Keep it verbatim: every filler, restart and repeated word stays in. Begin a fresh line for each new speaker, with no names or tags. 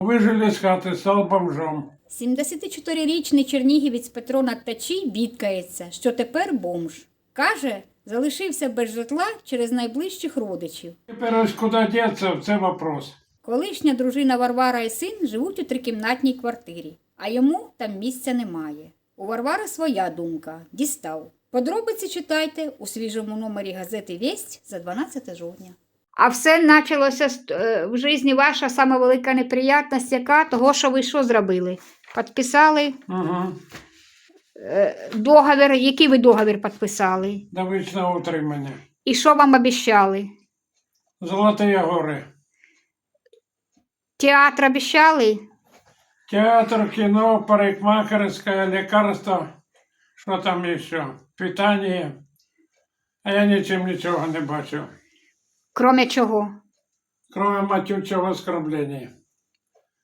Вижили з хати, став бомжом.
сімдесятичотирирічний чернігівець Петро Надтачій бідкається, що тепер бомж. Каже, залишився без житла через найближчих родичів.
Тепер ось куди діться, це вопрос.
Колишня дружина Варвара і син живуть у трикімнатній квартирі, а йому там місця немає. У Варвари своя думка – дістав. Подробиці читайте у свіжому номері газети «Весть» за дванадцяте жовтня. А все почалося в житті ваша сама велика неприємність, яка того, що ви що зробили? Підписали
Угу.
е, договір, який ви договір підписали?
До вічного утримання.
І що вам обіцяли?
Золоті гори.
Театр обіцяли?
Театр, кіно, парикмахерське, лікарство, що там ще, питання. А я нічим нічого не бачив,
Кроме чого?
крім матючого оскорблення.